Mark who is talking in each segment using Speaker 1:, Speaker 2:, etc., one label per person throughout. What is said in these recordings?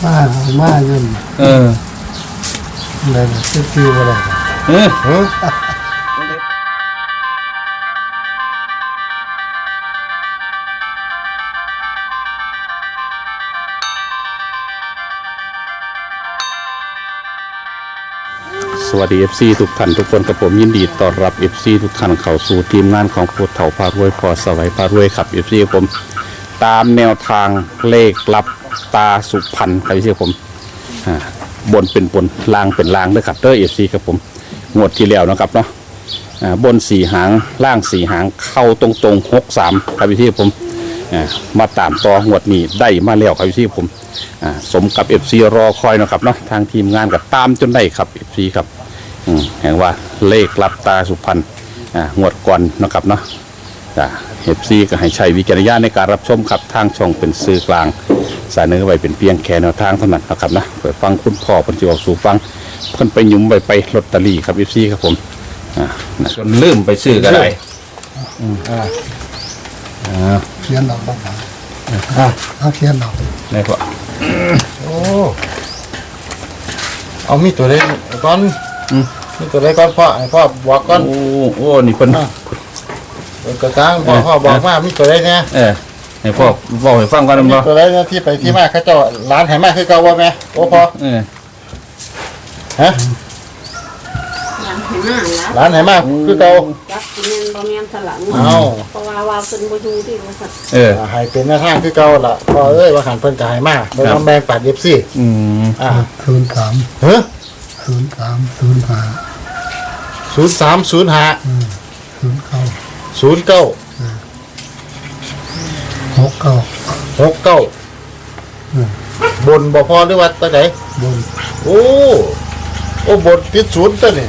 Speaker 1: มาอยู่เลยชื่ออะไร
Speaker 2: สวัสดี FC ทุกท่านทุกคนกับผมยินดีต้อนรับ FC ทุกท่านเข้าสู่ทีมงานของโคตรเถ่าพารวยพอสวัยพารวยครับ FC ผมตามแนวทางเลขลับตาสุพรรณครับ FC ผมบนเป็นบนล่างเป็นล่างด้วยครับเด้อ FC ครับผมงวดที่แล้วนะครับเนาะบน4หางล่าง4หางเข้าตรงๆ63ครับ FC ผมมาตามต่องวดนี้ได้มาแล้วครับ FC ผมสมกับ FC รอคอยนะครับเนาะทางทีมงานก็ตามจนได้ครับ FC ครับแห่งว่าเลขลับตาสุพรรณงวดก่อนนะครับเนาะFC ก็ให้ใช้วิจารณญาณในการรับชมครับทางช่องเป็นสื่อกลางสายเนื้อไว้เป็นเพียงแค่แนวทางเท่านั้นนะครับนะเปิดฟังคุณพ่อเพิ่นสิออกสู่ฟังเพิ่นไปหยุมไปลอตเตอรี่ครับ FC ครับผมจนลืมไปซื้อก็ได้
Speaker 1: เขียนออกบ้างเอาเขียนออก
Speaker 2: ได้พ่อ
Speaker 3: โอ้เอามีตัวเล็กก่อนมีตัวเล็กก่อนพ่อบอกก่อน
Speaker 2: โอ้นี่เพิ่น
Speaker 3: กระซังพ่อบอกว่ามีตัวเล็กเนี่ย
Speaker 2: ให้พ่อบอกให้ฟังก่อนนะ
Speaker 3: ตัวเล็กที่ไปที่มาเขาเจ้าร้านไหมาคือเก่าว่าแม่โอ้พ่อฮะร้านไหมาคือเก่า
Speaker 4: จักเงินบ่แม่นสลังเพราะว่าเพิ่นบ่อยู่ที่บริษัท
Speaker 3: ให้เป็นหน้าทางคือเก่าล่ะพ่อเอ้ยว่าหันเพิ่นก็ให้มาบ่ต้องแบ่งปัด FC
Speaker 1: 03
Speaker 3: เฮ้อ
Speaker 1: 0305
Speaker 3: 09 บนบ่พอหรือว่าตัวไหน
Speaker 1: บน
Speaker 3: โอ้บนติดศูนย์ตัวนี่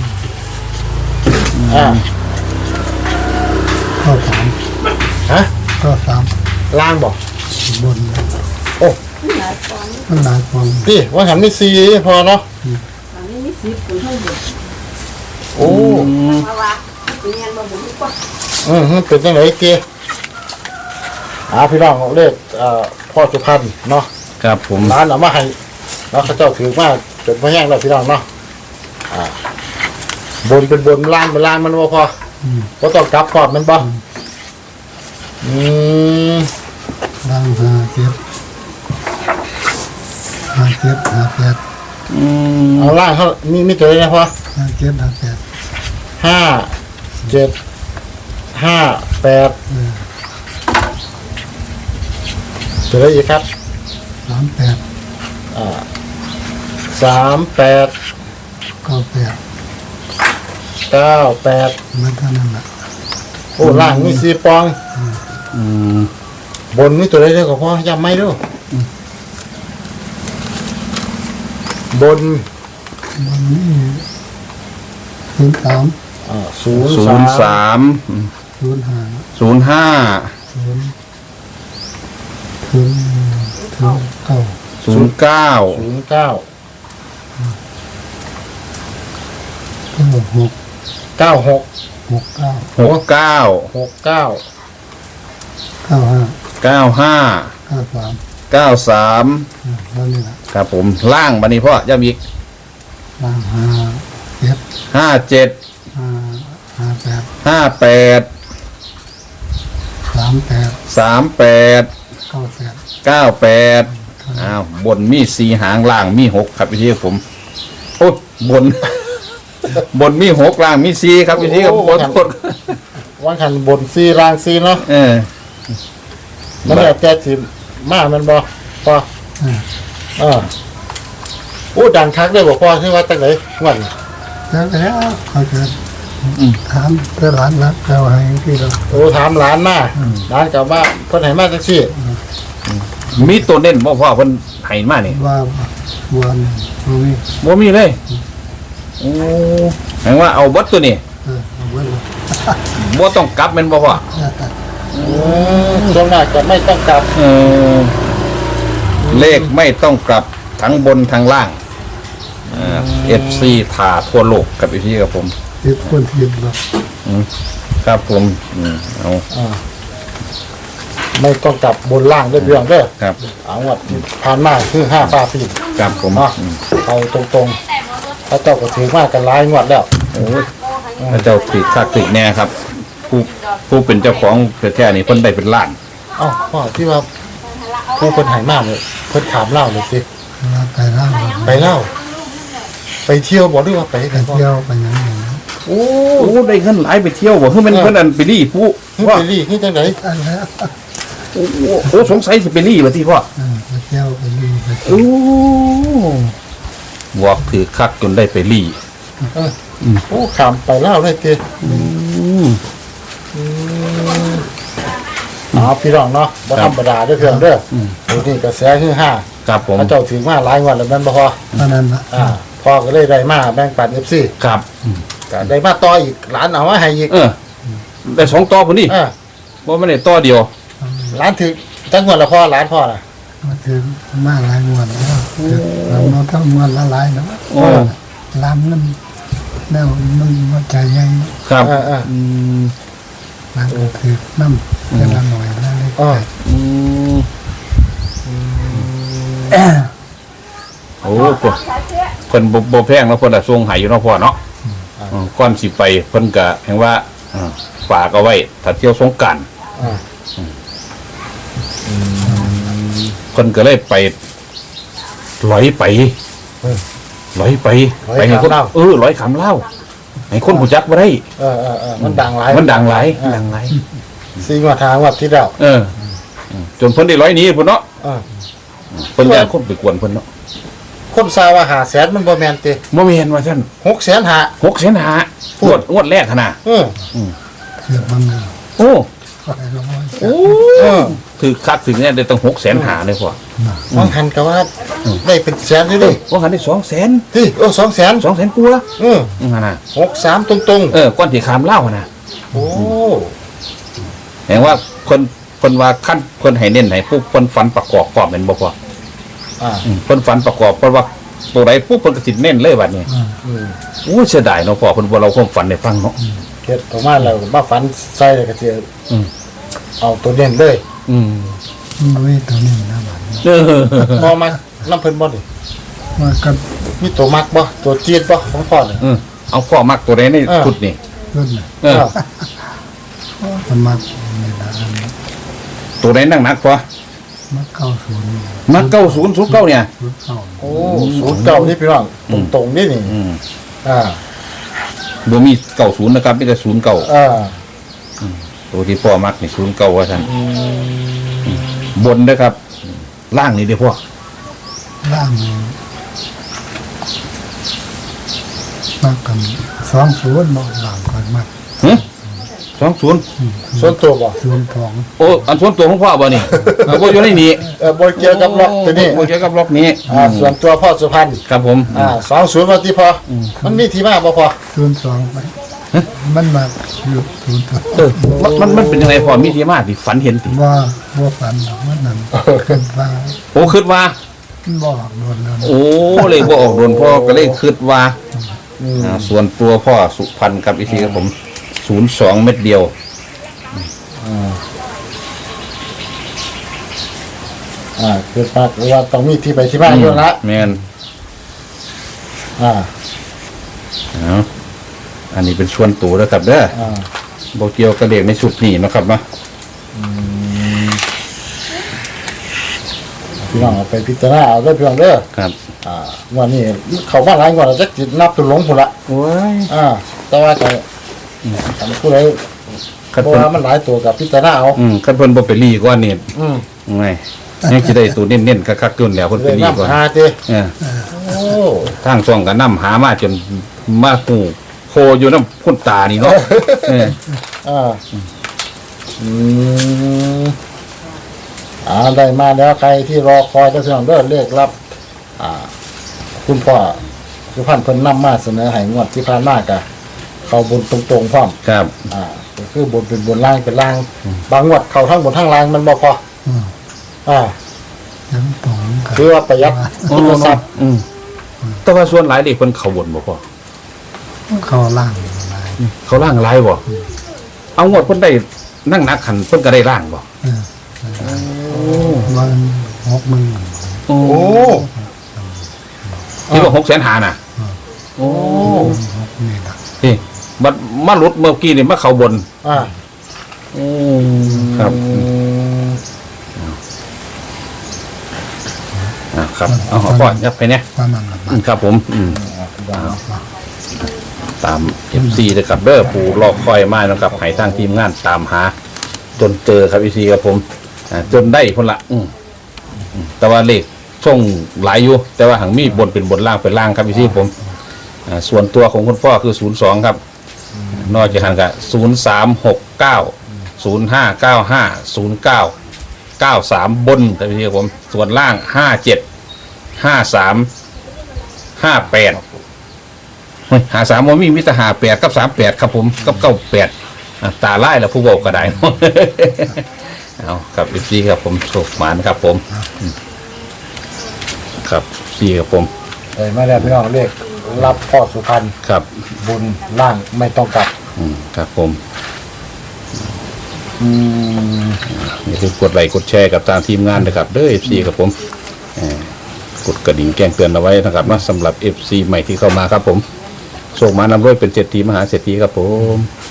Speaker 1: ก็3
Speaker 3: ฮะ
Speaker 1: ก็3
Speaker 3: ล่างบ่
Speaker 1: บน
Speaker 3: โอ้
Speaker 1: มันหลายฟอง
Speaker 3: นี่ว่าหันมี4พอเนาะ
Speaker 4: อันนี้มี10คนเท่าเดิม
Speaker 3: โอ้
Speaker 4: ว่าเป็นเงินบ่บ่กว่า
Speaker 3: เป็นจังได๋เกพี่น้องเลขพ่อสุพรรณเนาะ
Speaker 2: ครับผม
Speaker 3: ร้านเอามาให้เนาะเขาเจ้าถือมาจนพอแห้งแล้วพี่น้องเนาะบนเป็นบนล่างเป็นล่างมันบ่พอบ่ต้องกลับพร้อมมันบ่
Speaker 1: ล่าง57
Speaker 3: เอาล่างเขามีตัวอะไรนะพ่อ57 58ตัวอะไรอีกครับ38
Speaker 1: 98มันเท่านั้นแหละ
Speaker 3: โอ้ล่างมี4ปองบนมีตัวอะไรเนี่ยก็พ่อย้ำไม่ดูบน
Speaker 1: นี่03
Speaker 2: 93
Speaker 1: นั่นนี่แหละ
Speaker 2: ครับผมล่างบัดนี้พ่อย้ำอีก
Speaker 1: ล่าง
Speaker 2: 57 38 บนมี4หางล่างมี6ครับพี่ผมโอ้บนมี6ล่างมี4ครับพี่ครับขอโทษ
Speaker 3: วันขันบน4ล่าง4เนาะมันแบบแต่สิมามันบ่พอดังคักได้บ่พอที่ว่าตั้งไหนวัน
Speaker 1: แล้วเขาจะถามเพื่อหลานรักเราให้ที่เรา
Speaker 3: ถามหลานมาหลานกลับว่าเพิ่นให้มาจังซี่
Speaker 2: มีตัวเน้นบ่พ่อเพิ่นให้มานี่
Speaker 1: ว่าวัน
Speaker 2: บ่มีเลยโอ้แปลว่าเอาเบิดตัวนี้บ่ต้องกลับแม่นบ่พ่อ
Speaker 3: ส่วนมากจะไม่ต้องกลับ
Speaker 2: เลขไม่ต้องกลับทั้งบนทั้งล่างFC ถ่าทั่วโลกกับพี่กับผม
Speaker 1: คนเทียนหรอ
Speaker 2: ครับผมเอา
Speaker 3: ไม่ต้องกลับบนล่างด้วยเรื่องเด้อ
Speaker 2: ครับ
Speaker 3: เอางวดที่ผ่านมาคือ5ฟ้าปีน
Speaker 2: ครับผม
Speaker 3: เนาะเอาตรงๆพระเจ้าก็ถือมากกันหลายงวดแล้ว
Speaker 2: โอ้ยพระเจ้าติดคักติดแน่ครับ ผู้เป็นเจ้าของแท้ๆนี่เพิ่นได้เป็นล้าน
Speaker 3: เอ้าพ่อที่ว่าผู้คนหายมากเลยเพิ่นถามเล่าเลยสิ
Speaker 1: เราไปเล่า
Speaker 3: ไปเล่า ไปเที่ยวบอกด้วยว่าไป
Speaker 1: ไป
Speaker 3: กันพ่อ
Speaker 1: เที่ยวไปอยังไงนะ
Speaker 3: โอ้
Speaker 2: โอ้ได้เงินหลายไปเที่ยวบ่คือมันเพิ่นอันไปรี่ผู้
Speaker 3: เฮ้ย
Speaker 2: ว่า
Speaker 3: ไปรีที่จังไหน
Speaker 1: อันแล้ว
Speaker 2: โอ้สงสัยสิไปรี่บ่ที่พ่อ
Speaker 1: ไปเที่ยวไปดูไป
Speaker 2: โอ้บอกถือคักจนได้ไปรี่
Speaker 3: โอ้ขามไปเล่าเลยเกพี่น้องเนาะบ่ธรรมดาเด้อเพื่อนเด้อโอ้นี่กระแสคือ5
Speaker 2: ครับผม
Speaker 3: พระเจ้าถือมาหลายงวดแล้วแม่นบ่พอ
Speaker 1: ตอนนั้นนะ
Speaker 3: พ่อก็เลยได้มาแบ่งปัน FC
Speaker 2: ครับ
Speaker 3: ก็ได้มาต่ออีกหลานเอามาให้อีก
Speaker 2: ได้2ต่อพุ่นนี่บ่แม่นได้ต่อเดียว
Speaker 3: หลานถือจังงวดละพ่อหลานพ่อน่ะ
Speaker 1: มาถึงมาหลายงวดแล้วเราโน้ตทั้งงวดละหลายเนาะ
Speaker 2: โอ้
Speaker 1: ล้ำนั่นแนวมันมันใจใหญ่
Speaker 2: ครับ
Speaker 3: อืม
Speaker 1: ล้างก็คือน้ำเวลาหน่อยแล้วเลย
Speaker 3: อ๋อ
Speaker 2: โอ้เพิ่นบ่แพงแล้วเพิ่นน่ะส่งให้อยู่เนาะพ่อเนาะก่อนสิไปเพิ่นก็แห่งว่าฝากเอาไว้ถ้าเที่ยวสงกรานต์
Speaker 3: อ่า
Speaker 2: เพิ่นก็เลยไปลอยไปให้คนลอยขำเล่าให้คนหูจักบ่ได้
Speaker 3: มันดังหลาย
Speaker 2: มันดังหลาย
Speaker 3: 4งวดทางวัดที่แล้ว
Speaker 2: จนเพิ่นได้ร้อยหนี้พุ่นเนาะ
Speaker 3: อ่า
Speaker 2: เพิ่นอยากคนไปกวนเพิ่นเนาะ
Speaker 3: คนซาว่า500,000มันบ่แม่นติ
Speaker 2: บ่แม่นว่าซั่น
Speaker 3: 600,000หา
Speaker 2: 6,500,000งวดแรกหั่นน่ะ
Speaker 1: คือมัน
Speaker 2: โอ้
Speaker 1: ไปลง
Speaker 2: ถือคักถึงเนี่ยได้ตั้ง6,500,000เลยพ่อ
Speaker 3: มองหันก็ว่าได้เป็นแสนนี่ดิ
Speaker 2: ว่าหันได้200,000
Speaker 3: ที่200,000
Speaker 2: 200,000กว่าหั่นน่ะ
Speaker 3: 63ตรง
Speaker 2: ก่อนที่ขามเล่าหั่นน่ะ
Speaker 3: ๆโอ้
Speaker 2: แห่งว่าเพิ่นว่าคั่นเพิ่นให้เน้นให้ปุ๊บเพิ่นฝันประกอบพร้อมแม่นบ่พ่อ เพิ่นฝันประกอบเพราะว่าตัวใดปุ๊บเพิ่นก็สิเน้นเลยบัดนี้อู้เสียดายเนาะพ่อเพิ่นบ่เราความฝันให้ฟังเนาะ
Speaker 3: เฮ็ดออกมาแล้วมาฝันใส่แล้วก็สิเอาตัวเด่นเลย
Speaker 1: มันไม่ตัวนี้นะบัดนี้
Speaker 3: พอมาน้ำเพิ่นบ่ดิ
Speaker 1: ว่าก็
Speaker 3: มีตัวมักบ่ตัวเจี๊ยดบ่ของพ่อนี่
Speaker 2: เอาพ่อมักตัวใดในชุดนี่
Speaker 1: ขึ้นเลย มันมาเนี่ยนะ
Speaker 2: ตัวใดนั่งนักพ่อ
Speaker 1: มาเข้าศูนย์
Speaker 2: มัก9009เนี่ย
Speaker 1: ศูนย์เข้า
Speaker 3: โอ้09นี่พี่น้องตรงๆนี่นี่อ่า
Speaker 2: บ่มี90นะครับมีแต่09 ตัวที่พ่อมักนี่09ว่าซั่นบนเด้อครับล่างนี่เด้อพ่อ
Speaker 1: ล่างมากกัน20บอกหลังก่อนมาก
Speaker 2: 20
Speaker 3: ส่วนตัวบ่
Speaker 1: ศูนย์ทอง
Speaker 2: โอ้อันส่วนตัวของพ่อบ่นี่บ่อยู่ในนี้
Speaker 3: บ่เกี่ยวกับล็อกตัวนี้
Speaker 2: บ่เกี่ยวกับล็อกนี้
Speaker 3: ส่วนตัวพ่อสุพรรณ
Speaker 2: ครับผม
Speaker 3: 20มาที่พอมันมีที่มาบ่พอ
Speaker 1: 02ไปมันมาอยู่ศูนย์ทอง
Speaker 2: มันเป็นยังไงพ่อมีที่มาที่ฝันเห็นติ
Speaker 1: ว่าฝันหรอกมันนั่นขึ้นว่า
Speaker 2: โอ้คิดว่า
Speaker 1: บอกโดนแล้ว
Speaker 2: โอ้เลยบ่ออกโดนพ่อก็เลยคิดว่าส่วนตัวพ่อสุพรรณครับอีกทีครับผม02เม็ดเดียว
Speaker 3: คือว่าต้องมีที่ไปที่มาอยู่ละ
Speaker 2: แม่นเอาอันนี้เป็นส่วนตัวแล้วครับเด้อบ่เกี่ยวกับเด็กในชุดนี้นะครับเนาะ
Speaker 3: พี่น้องเอาไปพิจารณาเอาเด้อพี่น้องเด้อ
Speaker 2: ครับ
Speaker 3: วันนี้เขามาหลายงวดแล้วจักสินับตัวหลงพุ่นละ
Speaker 2: โอ้ย
Speaker 3: แต่ว่าจะผู้ใด
Speaker 2: คัน
Speaker 3: เพราะ
Speaker 2: เพิ่น
Speaker 3: ว่ามันหลายตัวกับพิจารณาเอา
Speaker 2: คันเพิ่นบ่ไปรีก่อนนี่ ไงยังสิได้ตัวเน้นๆคักๆขึ้นแล้วเพิ่น
Speaker 3: เล
Speaker 2: ไป
Speaker 3: ย
Speaker 2: รีก่อน
Speaker 3: นำหาติ โอ้
Speaker 2: ทางช่องก็นำหามาจนมาฮู้โคอยู่นำคนตานี่เนาะ
Speaker 3: ได้มาแล้วใครที่รอคอยเด้อพี่น้องเด้อเลขรับคุณพ่อสุพรรณเพิ่นนำมาเสนอให้งวดที่ผ่านมากะเข้าบนตรงๆพร้อม
Speaker 2: ครับ
Speaker 3: ก็คือบนเป็นบนล่างเป็นล่าง บางงวดเข้าทั้งบนทั้งล่างมันบ่พอ
Speaker 1: ยังตรงกัน
Speaker 3: คือว่าประหยัดทุนทรัพย์
Speaker 2: แต่ว่าส่วนหลายเด็กเพิ่นเข้าบนบ่พ่อ
Speaker 1: เข้าล่างอะไร
Speaker 2: เขาล่างหลายบ่เอางวดเพิ่นได้นั่งนักขันเพิ่นก็ได้ล่างบ่
Speaker 1: เออวัน60,000
Speaker 2: โอ้
Speaker 3: โอ้
Speaker 2: ที่ว่า600,000หาน่ะโอ้
Speaker 1: นี่ล่ะ
Speaker 2: ที่มาหลุดเมื่อกี้นี่มาเข้าบน
Speaker 3: อ่า
Speaker 2: ครับครับเอาขอก่อนยับไปเนี่ย
Speaker 1: ประมาณนั้น
Speaker 2: ครับผมตามFC เลยครับเด้อผู้รอคอยมานะครับให้ทางทีมงานตามหา จนเจอครับFC ครับผมจนได้คนละแต่ว่าเลขช่องหลายอยู่แต่ว่าหังมีบนเป็นบนล่างเป็นล่างครับพี่ผมส่วนตัวของคุณพ่อคือ02ครับนอกจากนั้นก็0369 0595 0993บนครับพี่ผมส่วนล่าง57 53 58เฮ้ย53ว่ามีมิตร58กับ38ครับผมกับ98ตาไล่แล้วผู้บอกก็ได้ เอาครับพี่ครับผมโชคหมานครับผมครับพี่ครับผม
Speaker 3: ไม่ได้พี่น้องเลขรับพ่อสุพรรณ
Speaker 2: ครับ
Speaker 3: บุญล่างไม่ต้องกลับ
Speaker 2: ครับผม
Speaker 3: อืม
Speaker 2: อย่าลืมกดไลค์กดแชร์กับทางทีมงานนะครับเด้อ FC ครับผมกดกระดิ่งแจ้งเตือนเอาไว้นะครับนะสำหรับ FC ใหม่ที่เข้ามาครับผมโชคหมานำรวยเป็นเศรษฐีมหาเศรษฐีครับผม